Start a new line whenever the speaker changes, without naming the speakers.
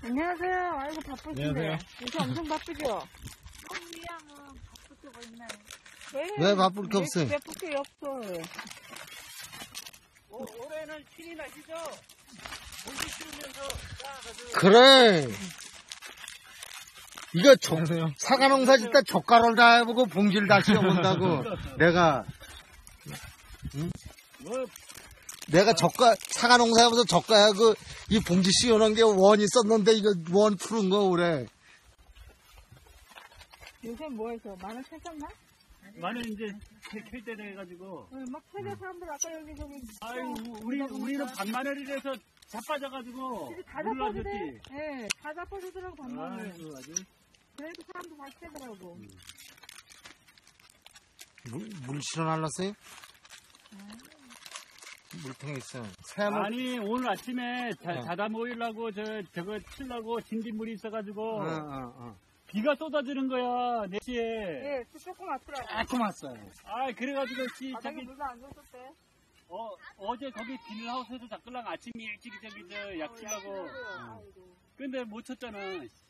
안녕하세요. 아이고 바쁘신데.
안녕하세요.
요새 엄청 바쁘죠? 미양은 바쁠 때가 있네.
왜 바쁠 게 없어요?
바쁠 게 없어.
올해는 신이 나시죠? 공기 씌우면서
그래. 이거
안녕하세요.
사과 농사 짓다 젓가락을 다 해보고 봉지를 다 씌워본다고.
뭐
내가 사과 농사 해보면서 젓가락하고 이 봉지 씌워놓은 게 원 있었는데 이거 원 푸른 거 그래.
요새 뭐 해서? 마늘 캐셨나?
마늘 이제 캘 때 돼가지고.
막 캐서 사람들 아까 여기 저기.
아유 우리는 반마늘이라서 자빠져가지고
다
물
잡아주대.
놔줬지.
예, 다 잡아주더라고, 반마늘.
아이고 아주.
그래도 사람도 많이 캐더라고.
물 실어날랐어요? 물통에 있어. 새야물.
아니 오늘 아침에 자다 모이려고 저거 치려고 진딧물이 있어가지고 비가 쏟아지는 거야 4시에.
예, 조금 왔더라고.
조금 왔어요. 아 그래가지고
바닥에 물도 안 줬었대.
어제 거기 비닐하우스에서 잡으려고 아침 일찍 약 치려고.
아이고.
근데 못 쳤잖아.